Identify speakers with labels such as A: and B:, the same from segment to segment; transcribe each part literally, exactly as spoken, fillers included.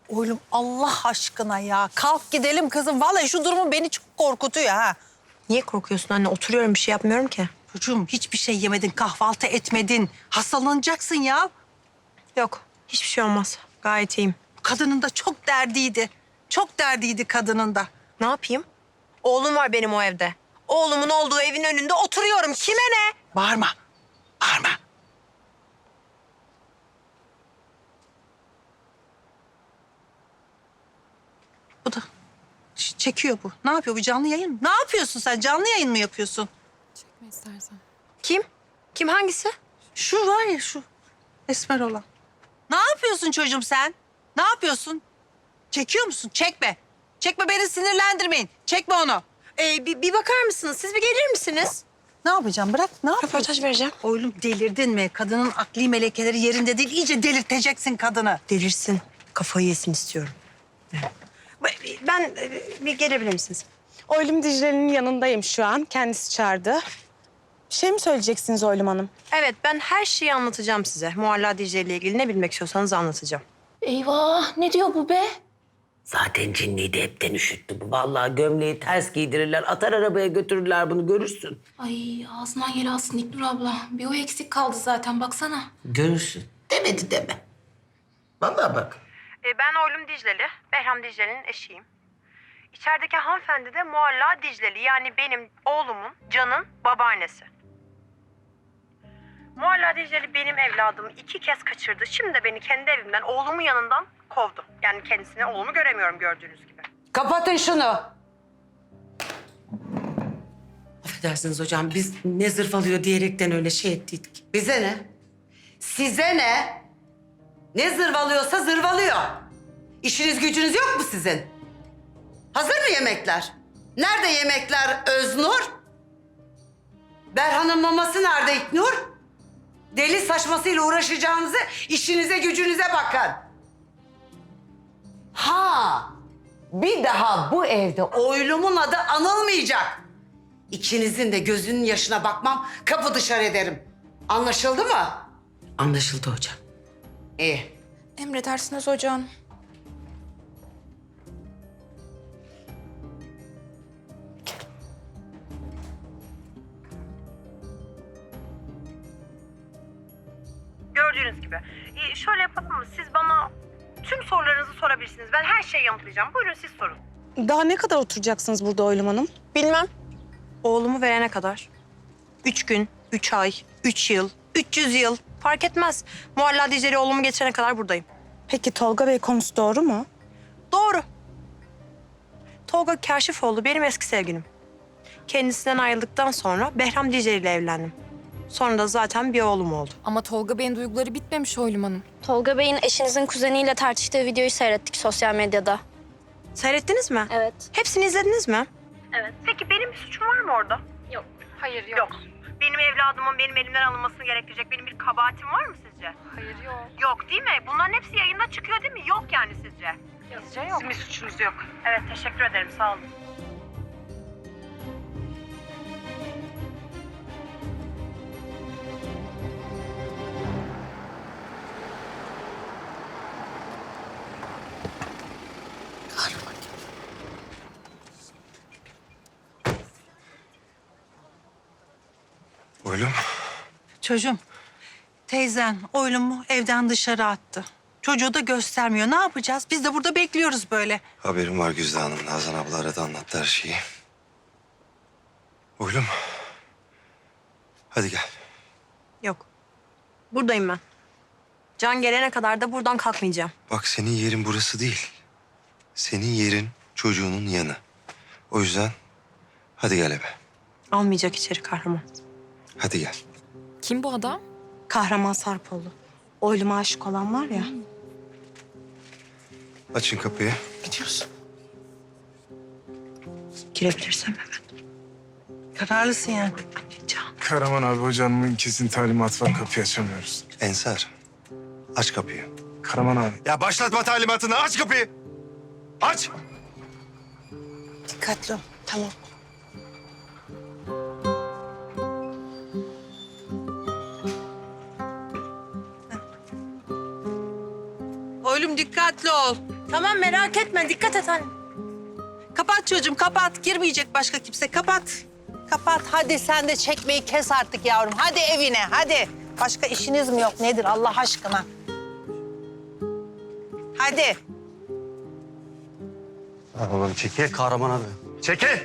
A: Oğlum Allah aşkına ya. Kalk gidelim kızım. Vallahi şu durumu beni çok korkutuyor ha.
B: Niye korkuyorsun anne? Oturuyorum, bir şey yapmıyorum ki.
A: Çocuğum hiçbir şey yemedin, kahvaltı etmedin. Hastalanacaksın ya.
B: Yok, hiçbir şey olmaz. Gayet iyiyim.
A: Kadının da çok derdiydi. Çok derdiydi kadının da.
B: Ne yapayım? Oğlum var benim o evde. Oğlumun olduğu evin önünde oturuyorum. Kime ne?
A: Bağırma. Bağırma. Bu da ç- çekiyor bu. Ne yapıyor bu, canlı yayın mı? Ne yapıyorsun sen? Canlı yayın mı yapıyorsun?
C: Çekme istersen.
B: Kim? Kim hangisi?
A: Şu var ya şu esmer olan. Ne yapıyorsun çocuğum sen? Ne yapıyorsun? Çekiyor musun? Çekme. Çekme, beni sinirlendirmeyin. Çekme onu.
B: Ee, bir, bir bakar mısınız? Siz bir gelir misiniz?
A: Ne yapacağım? Bırak. Ne yapıyorsun?
B: Röportaj vereceğim.
A: Oğlum delirdin mi? Kadının akli melekeleri yerinde değil. İyice delirteceksin kadını.
B: Delirsin. Kafayı yesin istiyorum. Ben e, bir gelebilir misiniz?
D: Oylum Dicle'nin yanındayım şu an. Kendisi çağırdı. Bir şey mi söyleyeceksiniz Oylum Hanım?
B: Evet, ben her şeyi anlatacağım size. Mualla Dicle ile ilgili ne bilmek istiyorsanız anlatacağım.
C: Eyvah, ne diyor bu be?
E: Zaten cinliği de hepten üşüttü bu. Vallahi gömleği ters giydirirler, atar arabaya götürürler bunu, görürsün.
C: Ay ağzından yel alsın İknur abla. Bir o eksik kaldı zaten, baksana.
E: Görürsün. Demedi deme. Vallahi bak.
B: E, ben Oylum Dicleli, Behram Dicle'nin eşiyim. İçerideki hanımefendi de Mualla Dicleli, yani benim oğlumun, Can'ın babaannesi. Mualla Dicleli benim evladımı iki kez kaçırdı. Şimdi de beni kendi evimden, oğlumun yanından kovdu. Yani kendisine oğlumu göremiyorum gördüğünüz gibi.
F: Kapatın şunu.
E: Affedersiniz hocam, biz ne zırvalıyor diyerekten öyle şey ettiydik.
F: Bize ne? Size ne? Ne zırvalıyorsa zırvalıyor. İşiniz gücünüz yok mu sizin? Hazır mı yemekler? Nerede yemekler Öznur? Berhan'ın maması nerede İknur? Deli saçmasıyla uğraşacağınızı işinize gücünüze bakın. Ha, bir daha bu evde oylumun adı anılmayacak. İkinizin de gözünün yaşına bakmam, kapı dışarı ederim. Anlaşıldı mı?
E: Anlaşıldı hocam.
F: İyi.
C: Emredersiniz hocam.
B: Gördüğünüz gibi. E, şöyle yapalım mı? Siz bana tüm sorularınızı sorabilirsiniz. Ben her şeyi yanıtlayacağım. Buyurun siz sorun.
D: Daha ne kadar oturacaksınız burada Oylum Hanım?
B: Bilmem. Oğlumu verene kadar. Üç gün, üç ay, üç yıl, üç yüz yıl. Fark etmez. Mualla Dicle'li oğlumu getirene kadar buradayım.
D: Peki Tolga Bey konusu doğru mu?
B: Doğru. Tolga Kaşifoğlu benim eski sevgilim. Kendisinden ayrıldıktan sonra Behram Dicle ile evlendim. Sonra da zaten bir oğlum oldu.
C: Ama Tolga Bey'in duyguları bitmemiş Oylum Hanım.
G: Tolga Bey'in eşinizin kuzeniyle tartıştığı videoyu seyrettik sosyal medyada.
B: Seyrettiniz mi?
G: Evet.
B: Hepsini izlediniz mi?
G: Evet.
B: Peki benim bir suçum var mı orada?
G: Yok.
C: Hayır
B: Yok. Benim evladımın benim elimden alınmasını gerektirecek benim bir kabahatim var mı sizce?
C: Hayır yok.
B: Yok değil mi? Bunların hepsi yayında çıkıyor değil mi? Yok yani sizce?
C: Sizce yok.
B: Sizin bir suçunuz yok. Evet, teşekkür ederim. Sağ olun.
H: Oğlum.
A: Çocuğum, teyzen oylumu evden dışarı attı. Çocuğu da göstermiyor. Ne yapacağız? Biz de burada bekliyoruz böyle.
H: Haberim var Güzde Hanım. Nazan abla aradı, anlattı her şeyi. Oğlum. Hadi gel.
B: Yok. Buradayım ben. Can gelene kadar da buradan kalkmayacağım.
H: Bak, senin yerin burası değil. Senin yerin çocuğunun yanı. O yüzden hadi gel eve.
B: Almayacak içeri kahraman.
H: Hadi gel.
C: Kim bu adam?
D: Kahraman Sarpoğlu. Oylum'a aşık olan var ya.
H: Açın kapıyı.
A: Gidiyoruz.
B: Girebilirsem hemen.
A: Kararlısın yani.
B: Can.
I: Karaman abi hocamın kesin talimatı var, kapıyı açamıyoruz.
H: Ensar, aç kapıyı.
I: Karaman abi.
H: Ya başlatma talimatını, aç kapıyı. Aç.
A: Dikkatli ol.
D: Tamam.
A: Oğlum dikkatli ol.
B: Tamam merak etme dikkat et anne.
A: Kapat çocuğum kapat. Girmeyecek başka kimse. Kapat. Kapat. Hadi sen de çekmeyi kes artık yavrum. Hadi evine hadi. Başka işiniz mi yok nedir Allah aşkına? Hadi.
H: Oğlum çekil.
J: Kahraman abi.
H: Çekil.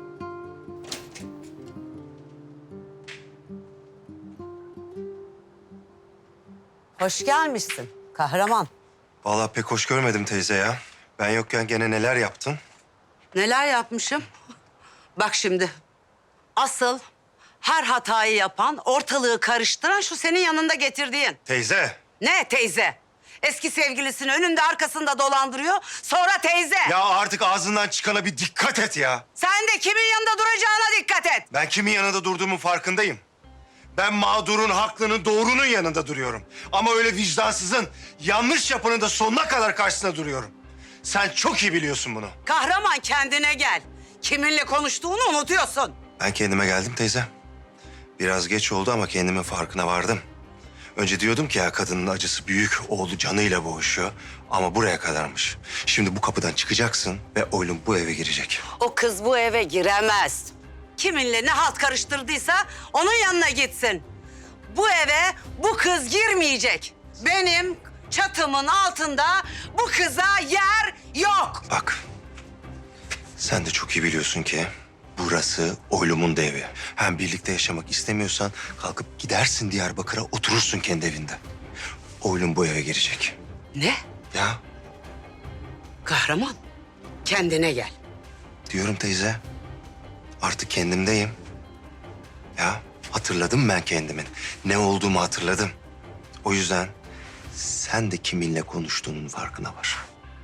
F: Hoş gelmişsin kahraman.
H: Vallahi pek hoş görmedim teyze ya. Ben yokken gene neler yaptın?
F: Neler yapmışım? Bak şimdi. Asıl her hatayı yapan, ortalığı karıştıran şu senin yanında getirdiğin.
H: Teyze.
F: Ne teyze? Eski sevgilisini önünde arkasında dolandırıyor. Sonra teyze.
H: Ya artık ağzından çıkana bir dikkat et ya.
F: Sen de kimin yanında duracağına dikkat et.
H: Ben kimin yanında durduğumun farkındayım. Ben mağdurun, haklının, doğrunun yanında duruyorum. Ama öyle vicdansızın, yanlış yapanın da sonuna kadar karşısında duruyorum. Sen çok iyi biliyorsun bunu.
F: Kahraman kendine gel. Kiminle konuştuğunu unutuyorsun.
H: Ben kendime geldim teyze. Biraz geç oldu ama kendimin farkına vardım. Önce diyordum ki ya kadının acısı büyük, oğlu canıyla boğuşuyor. Ama buraya kadarmış. Şimdi bu kapıdan çıkacaksın ve oğlum bu eve girecek.
F: O kız bu eve giremez. Kiminle ne halt karıştırdıysa onun yanına gitsin. Bu eve bu kız girmeyecek. Benim çatımın altında bu kıza yer yok.
H: Bak, sen de çok iyi biliyorsun ki burası oğlumun da evi. Hem birlikte yaşamak istemiyorsan kalkıp gidersin Diyarbakır'a oturursun kendi evinde. Oğlum bu eve girecek.
F: Ne?
H: Ya
F: Kahraman, kendine gel.
H: diyorum teyze, artık kendimdeyim. Ya hatırladım ben kendimin. Ne olduğumu hatırladım. O yüzden sen de kiminle konuştuğunun farkına var.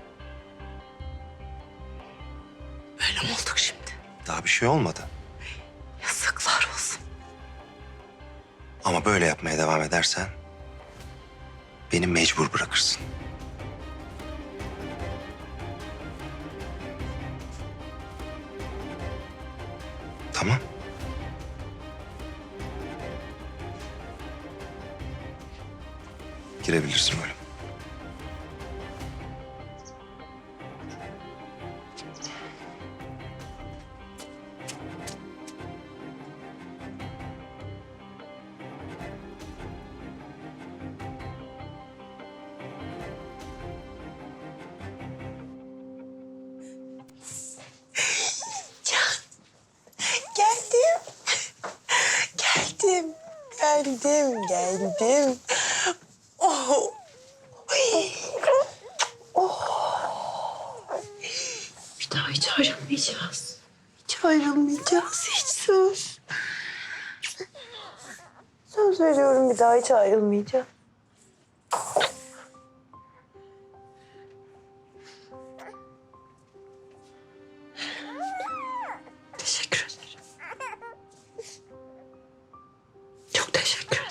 F: Böyle mi olduk şimdi?
H: Daha bir şey olmadı.
F: Yazıklar olsun.
H: Ama böyle yapmaya devam edersen beni mecbur bırakırsın. Tamam. Girebilirsin böyle.
D: Geldim. Geldim. Geldim. Geldim. Oh.
C: Bir daha hiç ayrılmayacağız.
D: Hiç ayrılmayacağız. Hiç söz. Söz veriyorum bir daha hiç ayrılmayacağız.
F: Teşekkür ederim. Çok teşekkür ederim.